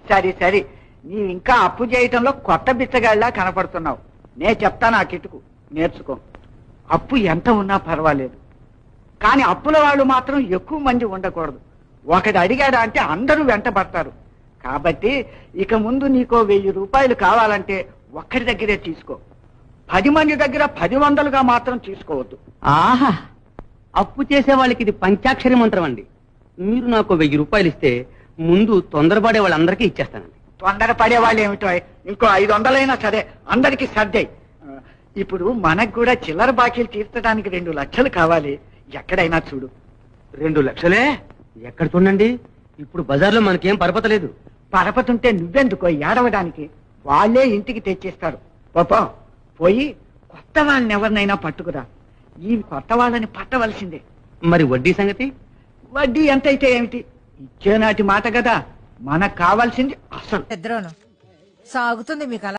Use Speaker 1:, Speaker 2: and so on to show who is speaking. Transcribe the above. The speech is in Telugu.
Speaker 1: సరే సరే, నీవు ఇంకా అప్పు చేయటంలో కొత్త బిచ్చగాళ్ళలా కనపడుతున్నావు. నే చెప్తాను ఆ కిటుకు, నేర్చుకో. అప్పు ఎంత ఉన్నా పర్వాలేదు, కానీ అప్పుల వాళ్ళు మాత్రం ఎక్కువ మంది ఉండకూడదు. ఒకటి అడిగాడా అంటే అందరూ వెంట పడతారు. కాబట్టి ఇక ముందు నీకో 1000 రూపాయలు కావాలంటే ఒక్కడి దగ్గరే తీసుకో. 10 మంది దగ్గర 10 మాత్రం తీసుకోవద్దు.
Speaker 2: ఆహా, అప్పు చేసే వాళ్ళకి ఇది పంచాక్షరి మంత్రం అండి. మీరు నాకు 1000 రూపాయలు ఇస్తే ముందు తొందరపడే వాళ్ళందరికీ ఇచ్చేస్తానండి.
Speaker 1: తొందర పడే వాళ్ళు ఏమిటో, ఇంకో 500 సరే అందరికి సర్దాయి. ఇప్పుడు మనకు కూడా చిల్లర బాకీలు తీర్చడానికి 2 లక్షలు కావాలి. ఎక్కడైనా చూడు.
Speaker 2: 2 లక్షలే? ఎక్కడ చూడండి, ఇప్పుడు బజార్లో మనకేం పరపతలేదు.
Speaker 1: పరపతుంటే నువ్వెందుకో ఏడవడానికి, వాళ్ళే ఇంటికి తెచ్చిస్తారు. పాపం పోయి కొత్త వాళ్ళని ఎవరినైనా పట్టుకురా. ఈ కొత్త వాళ్ళని పట్టవలసిందే.
Speaker 2: మరి వడ్డీ సంగతి?
Speaker 1: వడ్డీ ఎంతైతే ఏమిటి, ఇచ్చేనాటి మాట కదా. మనకు కావాల్సింది అసలు.
Speaker 3: సాగుతుంది మీకు.